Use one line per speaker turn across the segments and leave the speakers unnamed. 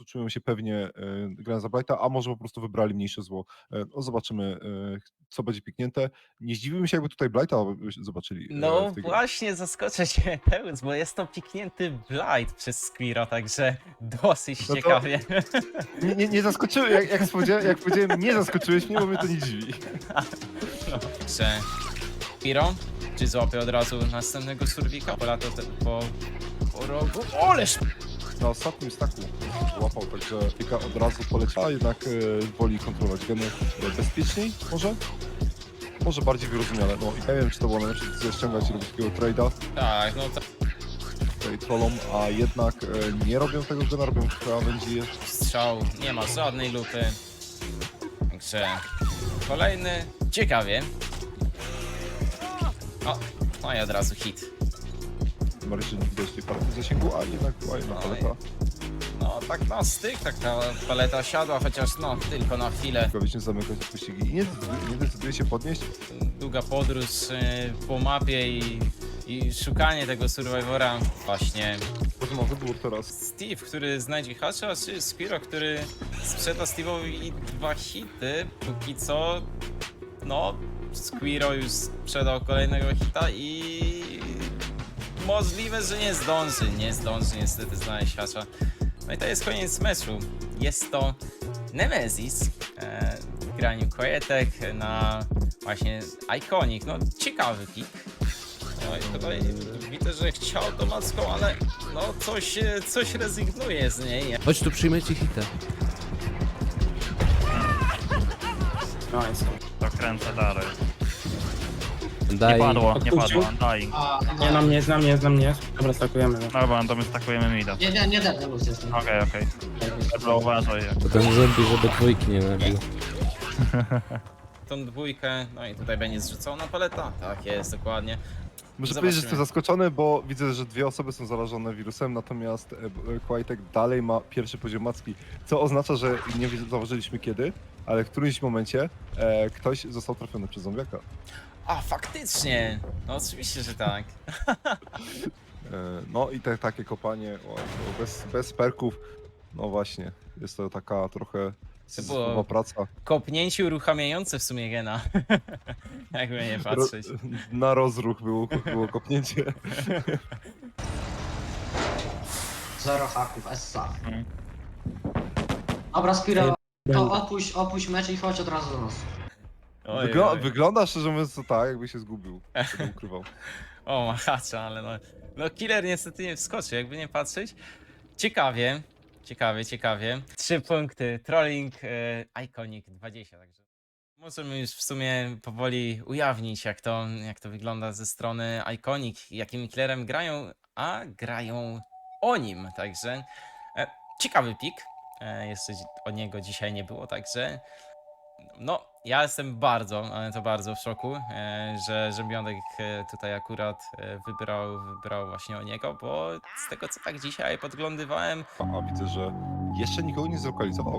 czują się pewnie grając za Blighta, a może po prostu wybrali mniejsze zło. No zobaczymy, co będzie piknięte. Nie zdziwiłbym się, jakby tutaj Blighta zobaczyli w
No
tej grze.
właśnie, zaskoczę cię, Pełz, bo jest to piknięty Blight przez Squiro, także dosyć
No to
ciekawie.
nie zaskoczyły, jak powiedziałem, nie zaskoczyłeś mnie, bo mnie to nie dziwi.
No, że Squiro, czy złapie od razu następnego surwika? Polata po rogu. Oleż!
Na ostatnim staku łapał, także Pika od razu poleciała, jednak woli kontrolować geny bezpieczniej może? Może bardziej wyrozumiale. No i nie wiem, czy to było najlepsze decyzja ściągać i robić takiego trade'a
Tak, no to
tutaj trollom, a jednak nie robią tego gena, robią krawędzi.
strzał, nie ma żadnej lupy. Także kolejny, ciekawie. O, no i od razu hit.
Bardziej, że nie widać tej palety w zasięgu, a jednak była jedna paleta.
No tak na styk, tak ta paleta siadła, chociaż no tylko na chwilę.
Prawicznie zamykać pościgi i nie decyduje się podnieść.
Długa podróż po mapie i szukanie tego Survivora. Właśnie
Może ma wybór teraz.
Steve, który znajdzie hasza, czy Squiro, który sprzeda Steve'owi 2 hity. Póki co, no, Squiro już sprzedał kolejnego hita i możliwe, że nie zdąży niestety znaleźć hasza. No i to jest koniec meczu. Jest to Nemesis w graniu Quietek na właśnie Iconic. No ciekawy pick. No i tutaj widzę, że chciał to macką, ale no coś rezygnuje z niej.
Chodź tu, przyjmę ci hitę.
Nice.
To kręcę dalej.
Daj.
Nie padło,
Odpuścił?
dying.
Nie na mnie, jest na mnie. Dobra, stakujemy go.
Dobra, to my stakujemy mida.
Nie, dead, luz jestem.
Okej. Dobra, uważaj.
To ten zombie, żeby dwójki nie nabił.
Tą dwójkę, no i tutaj będzie zrzucona paleta. Tak jest, dokładnie.
Muszę
Zobaczymy.
powiedzieć, że jestem zaskoczony, bo widzę, że 2 osoby są zarażone wirusem, natomiast Quietek dalej ma pierwszy poziom macki, co oznacza, że nie zauważyliśmy kiedy, ale w którymś momencie ktoś został trafiony przez zombiaka.
A, faktycznie! No oczywiście, że tak.
No i takie kopanie bez perków, no właśnie, jest to taka trochę syzyfowa praca.
Kopnięcie uruchamiające w sumie gena. Jakby nie patrzeć.
Na rozruch było kopnięcie.
Zero haków, Essa.
Mhm.
Dobra, Spiro, to
Będę.
opuść mecz i chodź od razu do nas.
Oj, oj.
Wygląda szczerze mówiąc to tak, jakby się zgubił, się ukrywał.
O, machacza, ale no killer niestety nie wskoczy, jakby nie patrzeć. Ciekawie. 3 punkty, trolling, Iconic 20, także możemy już w sumie powoli ujawnić, jak to wygląda ze strony Iconic, jakim killerem grają, a grają o nim, także ciekawy pick. Jeszcze o niego dzisiaj nie było, także no, ja jestem ale to bardzo w szoku, że Biondek tutaj akurat wybrał właśnie o niego, bo z tego co tak dzisiaj podglądywałem,
A widzę, że jeszcze nikogo nie zlokalizował.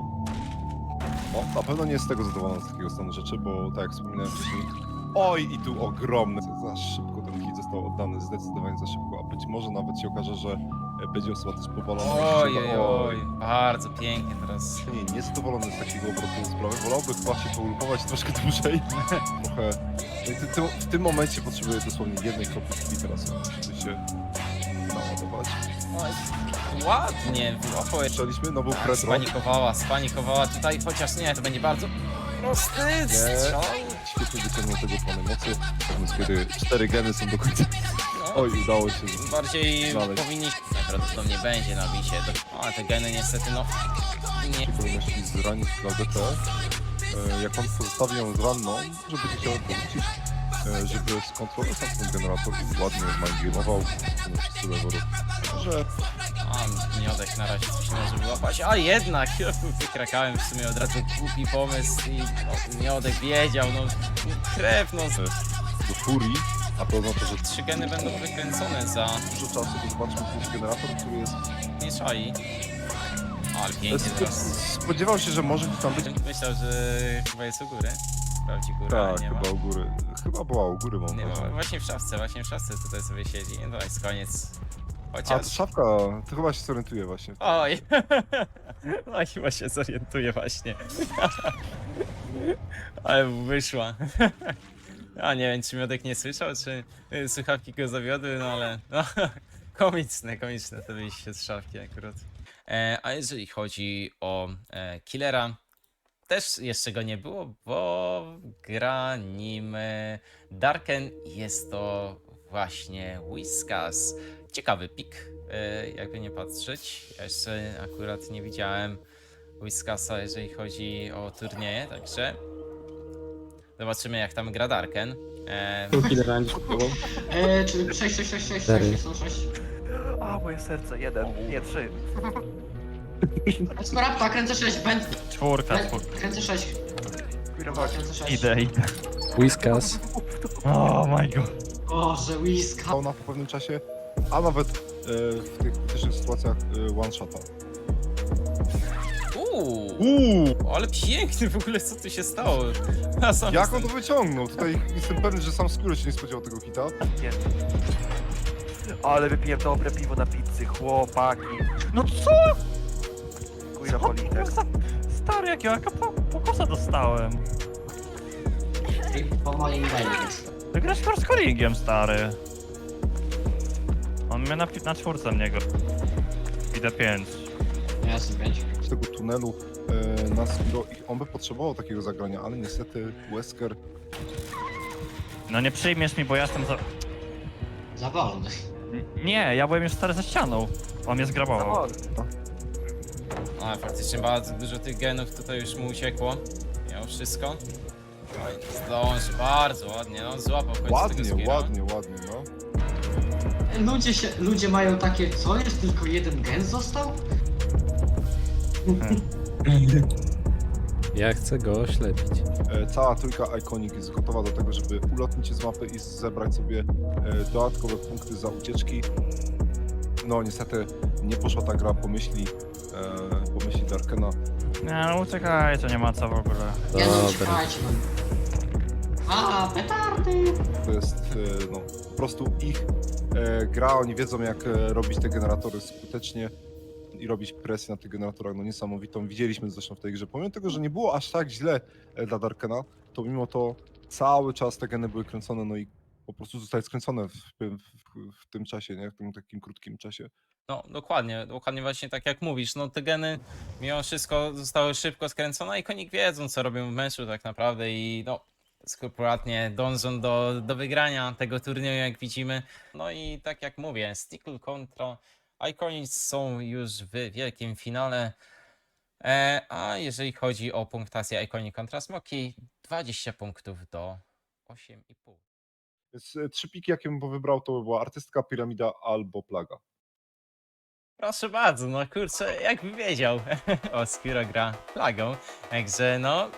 No, na pewno nie jest z tego zadowolony z takiego stanu rzeczy, bo tak jak wspominałem wcześniej, oj i tu ogromny, za szybko ten hit został oddany, zdecydowanie za szybko, a być może nawet się okaże, że będzie osoba też powalona.
oj, bardzo pięknie teraz.
Niezadowolony z takiego obrotu sprawy, wolałby chyba się poulupować troszkę dłużej. Trochę. No i w tym momencie potrzebuję dosłownie jednej kropli krwi teraz, żeby się naładować.
Oj, ładnie, wyłapał jeszcze.
Słyszeliśmy, no był
Tak,
retro.
spanikowała tutaj, chociaż nie, to będzie bardzo prosty strzał.
Świetnie wyciągnął tego plany mocy, natomiast kiedy 4 geny są do końca.
No,
Oj, udało się.
bardziej
znaleźć.
powinniśmy, najprawdopodobniej będzie na bisie, ale te geny niestety no, nie.
Powinności zranić Claudetę. Jak on pozostawi ją z ranną, żeby będzie chciał powrócić, żeby skontrolować ten generator i ładnie mindgame'ował wszyscy leworów. Że
A, Miodek na razie coś nie może wyłapać, a jednak wykrakałem w sumie od razu głupi pomysł i no, Miodek wiedział, no krew, no
do furii, a to oznacza, że
3 geny będą wykręcone za
dużo czasu, to zobaczmy ten generator, który jest...
nie szai. Ale pięknie teraz.
Spodziewał się, że może tam być...
Myślał, że chyba jest u góry. Sprawdzi górę, ale
Tak,
nie ma.
chyba u góry. Chyba była u góry, mam
Nie ma.
wrażenie.
Właśnie w szafce tutaj sobie siedzi. No to jest koniec.
A,
Chociaż...
to szafka, to chyba się zorientuje właśnie.
Oj! A chyba się zorientuję właśnie. Ale mu wyszła. A nie wiem, czy Miodek nie słyszał, czy słuchawki go zawiodły, no ale no, komiczne to wyjście z szafki akurat. A jeżeli chodzi o Killera, też jeszcze go nie było, bo gra nim Darken. Jest to właśnie Whiskas. Ciekawy pik, jakby nie patrzeć. Ja jeszcze akurat nie widziałem Whiskasa, jeżeli chodzi o turnieje, także zobaczymy, jak tam gra Darken.
Killer będzie próbował.
Czy 6,
Cztery.
są 6.
A, moje serce, 1, nie 3.
Smarapta, kręcę 6,
Czwórka.
kręcę 6. Kręcę 6.
Idę.
Whiskas.
Oh my god.
Boże, Whiska.
Ona po pewnym czasie, a nawet w tych krytycznych sytuacjach one-shota.
Ale piękny w ogóle, co tu się stało? A sam
Jak on to wyciągnął? Tutaj jestem pewny, że sam Skóry się nie spodziewał tego hita.
Ale wypiłem dobre piwo na pizzy, chłopaki. No co? Kujra politek.
Stary, jakiego pokosa dostałem.
Po moim mailem jest.
Ty grasz z scoringiem, stary. On mnie na czwórce mnie go. Idę 5.
Ja jestem 5.
Z tego tunelu na Skiro i on by potrzebował takiego zagrania, ale niestety Wesker
No nie przyjmiesz mi, bo ja jestem za...
Za wolny.
Nie, ja byłem już stary za ścianą. On mnie zgrabował.
A faktycznie bardzo dużo tych genów tutaj już mu uciekło. Miał wszystko. Oj, zdąży, bardzo ładnie, no złapał w końcu tego
ładnie,
skilla.
ładnie, no.
Ludzie mają takie, co jest, tylko jeden gen został?
Ja chcę go oślepić.
Cała trójka Iconic jest gotowa do tego, żeby ulotnić się z mapy i zebrać sobie dodatkowe punkty za ucieczki. No niestety nie poszła ta gra po myśli Darkena.
Nie, no uciekajcie, nie ma co w ogóle.
Ja no
Dobra.
uciekajcie no. A, petardy!
To jest no, po prostu ich gra, oni wiedzą jak robić te generatory skutecznie i robić presję na tych generatorach, no niesamowitą. Widzieliśmy zresztą w tej grze, pomimo tego, że nie było aż tak źle dla Darkena, to mimo to cały czas te geny były kręcone, no i po prostu zostały skręcone w tym czasie, nie? W tym takim krótkim czasie.
No dokładnie właśnie tak jak mówisz, no te geny mimo wszystko zostały szybko skręcone i konik wiedzą co robią w meczu tak naprawdę i no skrupulatnie dążą do wygrania tego turnieju jak widzimy. No i tak jak mówię, Stickle kontra Iconic są już w wielkim finale. A jeżeli chodzi o punktację Iconic kontra Smoki, 20 punktów do 8,5.
Więc 3 piki, jakie bym wybrał, to by była Artystka, Piramida albo Plaga.
Proszę bardzo, no kurczę, jakby wiedział. O, Skiro gra plagą, także no...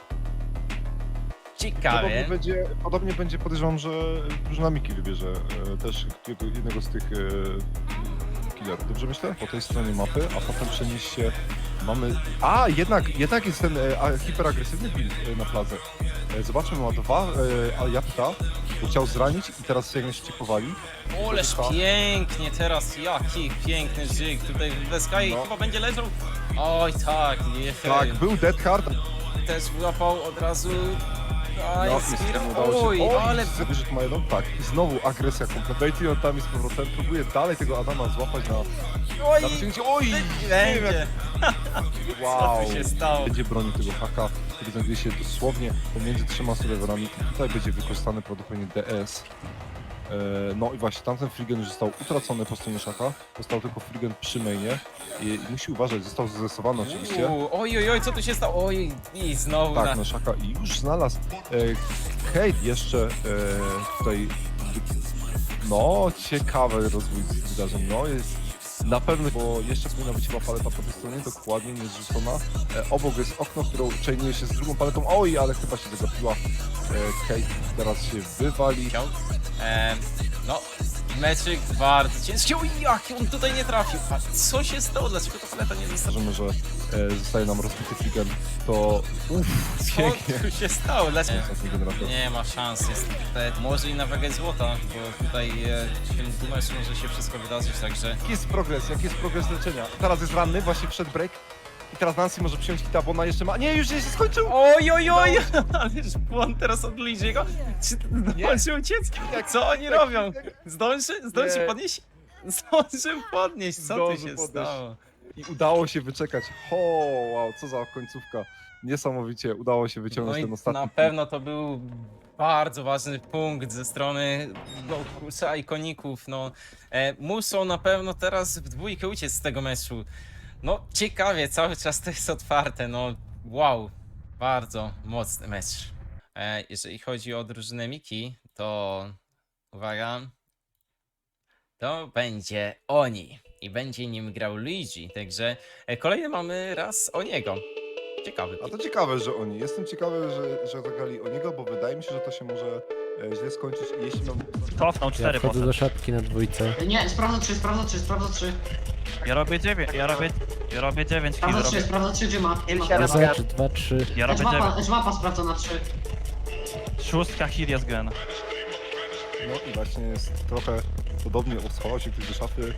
Ciekawie.
Podobnie będzie, podejrzewam, że drużyna Miki wybierze też jednego z tych killerów. Dobrze myślę? Po tej stronie mapy, a potem przenieść się... Mamy... A, jednak jest ten hiperagresywny build na Pladze. Zobaczmy, ma 2 jabłka, bo chciał zranić i teraz jak się powali.
Oleż pięknie teraz, jaki piękny żyk. Tutaj w Sky
No.
chyba będzie leżał. Oj tak,
Tak, był Dead Hard.
też wyłapał od razu. Aj,
No,
Skiro,
niestety udało się.
oj, ale...
Wyszedł ma jedną, tak. I znowu agresja kompletna. On tam jest z powrotem, próbuje dalej tego Adama złapać na
Oj,
wyciągnięcie. Oj! Nie wiem,
będzie.
wow!
Co tu się stało?
Będzie bronił tego haka, który znajduje się dosłownie pomiędzy 3 serwerami. Tutaj będzie wykorzystany prawdopodobnie DS. No i właśnie, tamten Frigen już został utracony po stronie szaka. Został tylko Frigen przy mainie. I musi uważać, został zestresowany oczywiście.
Oj, co tu się stało? Oj, i znowu
Tak,
na...
no szaka i już znalazł. Kate jeszcze tutaj. No, ciekawy rozwój wydarzeń. No, jest na pewno, bo jeszcze powinna być chyba paleta po tej stronie, dokładnie nie zrzucona. Obok jest okno, które chainuje się z drugą paletą. Oj, ale chyba się zagapiła. Kate teraz się wywali.
No, meczyk bardzo ciężki. Oj, jak on tutaj nie trafił. A co się stało? Dlaczego ta paleta nie została?
Zdarzymy, że zostaje nam rozbity Frigen, to pięknie.
Co tu się stało? Dlaczego?
Ostatni generator.
Nie ma szans, jest tutaj może i na wagę złota, bo tutaj w tym meczu może się wszystko wydarzyć, także...
Jaki jest progres leczenia? Teraz jest ranny, właśnie wszedł break. I teraz Nancy może przyjąć hita, bo ona jeszcze ma... Nie, już się skończył!
Oj, oj, oj! Ależ błąd teraz od Luigi'ego. Czy zdążył uciec? Co oni robią? Zdąży
Nie.
podnieść? Zdążył podnieść, co tu
Zdążył
się
podnieść.
stało?
I udało się wyczekać. Wow, co za końcówka. Niesamowicie, udało się
No
wyciągnąć
i
ten ostatni
na pewno to był bardzo ważny punkt ze strony no, kurczę, ikoników. No, muszą na pewno teraz w dwójkę uciec z tego meczu. No ciekawie, cały czas to jest otwarte. No wow, bardzo mocny mecz. Jeżeli chodzi o drużynę Miki, to uwaga, to będzie Oni i będzie nim grał Luigi. Także kolejny mamy raz Oniego. Ciekawy.
A to ciekawe, że oni. Jestem ciekawy, że zagrali o niego, bo wydaje mi się, że to się może źle skończyć. I jeśli mam...
Cofnął
Ja
4
wchodzę
poszedł.
do szapki na dwójce.
Nie, sprawdza 3, sprawdza 3, sprawdza 3.
Ja robię 9, ja robię 9 kill,
Sprawdza 3,
robię,
sprawdza 3, gdzie ma?
Kill
Ma.
7.
Raz, 2, 3.
ja robię 9.
Edge mapa sprawdza na 3.
Szóstka kill jest gen.
No i właśnie jest trochę podobnie, schował się ktoś do szafy.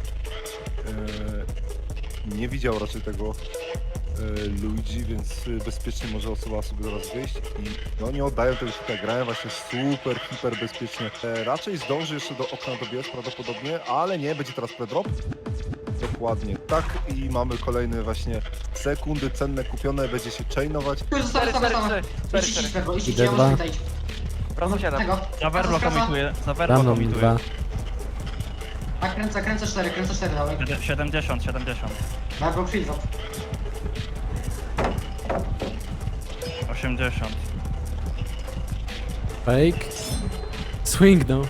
Nie widział raczej tego Luigi, więc bezpiecznie może osoba sobie zaraz wyjść i oni oddają tego hita, grają właśnie super, hiper bezpiecznie. Raczej zdąży jeszcze do okna dobiec prawdopodobnie, ale nie, będzie teraz predrop. Dokładnie tak i mamy kolejne właśnie sekundy cenne kupione, będzie się chainować.
Tu zostawę, zostawę.
4,
Idź,
4.
idź, Perbo, idź,
Idę
ja
dwa.
może tutaj.
Wracam 7.
Tego.
Za Werblo
Skraca.
komituję, za
Za
Werblo
mną
komituję.
2.
Tak, kręcę 4, dawaj.
70.
Perbo, chwil,
80.
Fake. Swing no.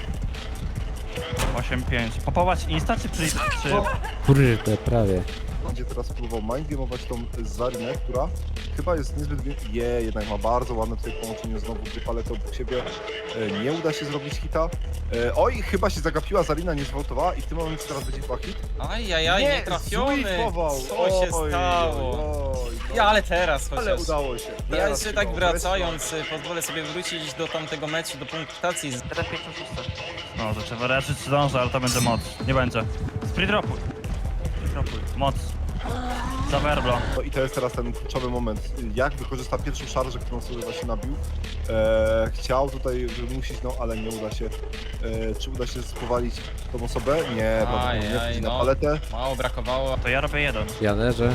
8-5. Popować insta czy...
O,
Kurde, prawie.
Będzie teraz próbował mindgame'ować tą Zarinę, która chyba jest niezbyt... jednak ma bardzo ładne tutaj połączenie znowu dwie palety obok siebie. Nie uda się zrobić hita. Oj, chyba się zagapiła, Zarina nie zwoltowała i w tym momencie teraz będzie chyba hit.
Ajajaj, nie trafiony.
zwipował.
Co się stało? Ja, ale teraz chociaż.
Ale udało się.
Ja
Teraz
jeszcze
chyba
tak
wreszcie.
wracając, pozwolę sobie wrócić do tamtego meczu, do punktacji.
1, 5, 6.
No, to trzeba raczyć zdążę, ale to będzie moc. Nie będzie. Spree dropuj. Moc. Za Werblo.
No i to jest teraz ten kluczowy moment. Jak wykorzysta pierwszą szarżę, którą sobie właśnie nabił. Chciał tutaj wymusić, no ale nie uda się. Czy uda się spowalić tą osobę? Nie, prawdopodobnie nie. Wchodzi na
no.
paletę.
Mało brakowało.
To ja robię 1.
Ja leżę.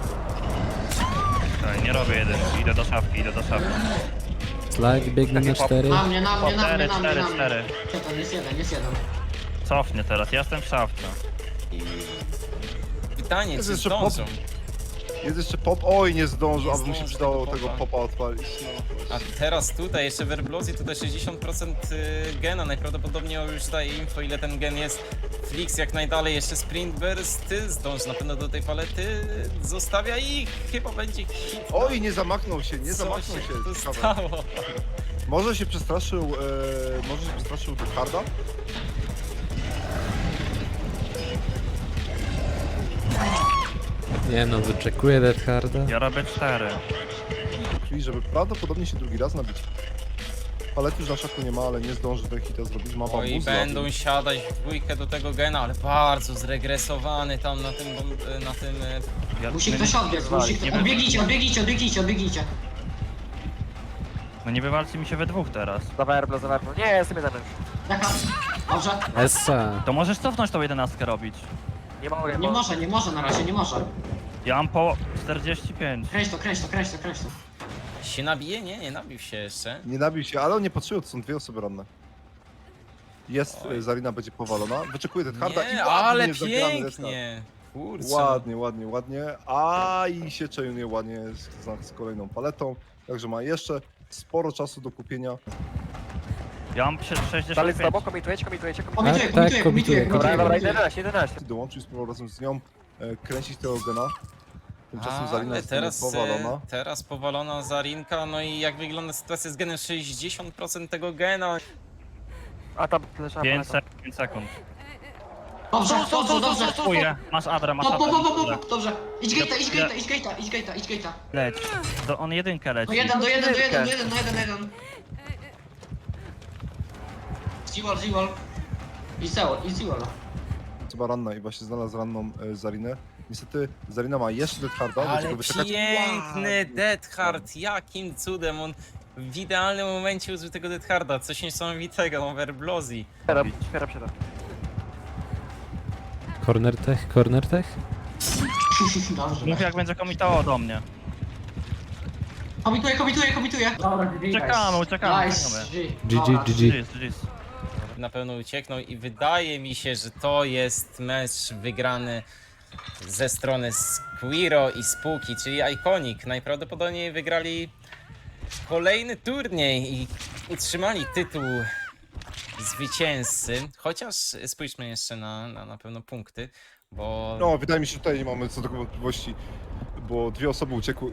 Tak, nie robię 1. Idę do szafki.
Slag biegnie na 4.
na mnie, na mnie, na mnie,
4,
na mnie,
4,
na mnie.
4.
Jest jeden.
Cofnie teraz, ja jestem w szafce.
I pytanie,
Jest
czy
jeszcze
zdążą?
Jest jeszcze pop. Oj, nie zdążył,
Nie
aby mu się
zdąży
przydało
tego
tego
popa.
popa odpalić. No.
A teraz tutaj jeszcze w Airblossie tutaj 60% gena, najprawdopodobniej już daje info ile ten gen jest. Flix jak najdalej, jeszcze Sprint Burst, zdąży na pewno do tej palety, zostawia i chyba będzie hit.
Oj, nie zamachnął się, nie
Co
zamachnął
się
się.
tu
Ciekawe.
stało?
Może się przestraszył Deadharda?
Nie no, wyczekuję Deadharda.
Ja robię 4.
Czyli żeby prawdopodobnie się drugi raz nabić. Palety już na szaku nie ma, ale nie zdąży ten hita zrobić. Ma
Oj,
bambus
będą siadać w dwójkę do tego gena, ale bardzo zregresowany tam na tym,
Ja,
Musi
my-
ktoś odbiec, musi ktoś...
nie-
Odbiegnijcie.
No nie wywalczy mi się we dwóch teraz.
Za Werblo. Nie, jestem 1.
Jaka? Dobrze.
Essa.
To możesz cofnąć tą 11 robić.
Nie mogę,
Nie może na razie, nie może.
Ja mam po 45.
Kręć to.
się nabije? Nie nabił się jeszcze.
Nie nabił się, ale on nie potrzebuje, to są dwie osoby ranne. Jest,
Oj.
Zarina będzie powalona. Wyczekuje Deadharda i
Nie,
ładnie
ale
zagrany Deadhard.
pięknie. Kurczę.
Ładnie. A i się chainuje ładnie z kolejną paletą. Także ma jeszcze sporo czasu do kupienia.
Ja mam
Dalej z
65.
tobą, komitujecie.
Komituję.
Dobra, 11.
Dołączył, spróbował razem z nią kręcić tego gena. Tymczasem Zarina
Ale
jest
teraz,
powalona.
teraz powalona Zarinka, no i jak wygląda sytuacja z genem? 60% tego gena.
A tam leżała
5
paleta.
sekund.
Dobrze.
Dziękuję. Masz Adra, masz Adra.
Dobrze. Idź gate'a.
Leć. To on jedynkę leci.
Do jeden. Ziwol. I Ziwol.
Chyba ranna i właśnie znalazł ranną Zarinę. Niestety Zarina ma jeszcze Death Harda, będzie
Ale
go wyczekać.
piękny Death Hard, jakim cudem on w idealnym momencie użył tego Death Harda, coś niesamowitego, Overblozy.
Świeram się tam.
Corner tech?
Dobrze.
Mów jak będzie komitował do mnie.
Komituję. Dobra, GG.
Uciekamy.
Nice.
GG.
GG's.
Na pewno ucieknął i wydaje mi się, że to jest mecz wygrany ze strony Squiro i Spooky, czyli Iconic. Najprawdopodobniej wygrali kolejny turniej i utrzymali tytuł zwycięzcy. Chociaż spójrzmy jeszcze na pewno punkty, bo
No, wydaje mi się, że tutaj nie mamy co do wątpliwości, bo dwie osoby uciekły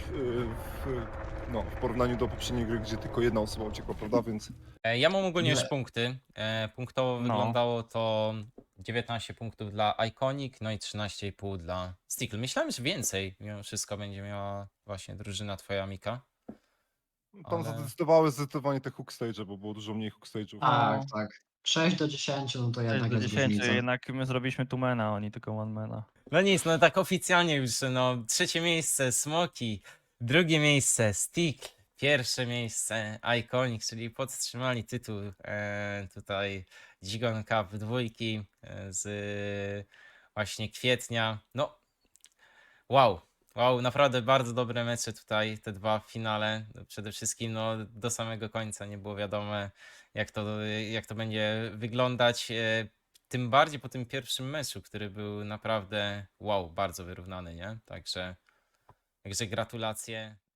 w porównaniu do poprzedniej gry, gdzie tylko jedna osoba uciekła, prawda? Więc
ja mam ogólnie już
Nie.
punkty. Punktowo
No.
wyglądało to 19 punktów dla Iconic, no i 13,5 dla Stickle. Myślałem, że więcej mimo wszystko będzie miała właśnie drużyna twoja, Mika.
tam
Ale-
zadecydowały zdecydowanie te hook stage, bo było dużo mniej hook stage'ów.
Tak. 6 do 10, no to
6
jednak
do
jest
10,
różnica.
jednak my zrobiliśmy tu mana, a oni tylko one mana.
No nic, no tak oficjalnie już, no trzecie miejsce Smoki, drugie miejsce Stick, pierwsze miejsce Iconic, czyli podtrzymali tytuł tutaj Gigon Cup dwójki z właśnie kwietnia. No wow, naprawdę bardzo dobre mecze tutaj, te dwa w finale. Przede wszystkim no, do samego końca nie było wiadomo jak to będzie wyglądać. Tym bardziej po tym pierwszym meczu, który był naprawdę wow, bardzo wyrównany, nie? Także gratulacje.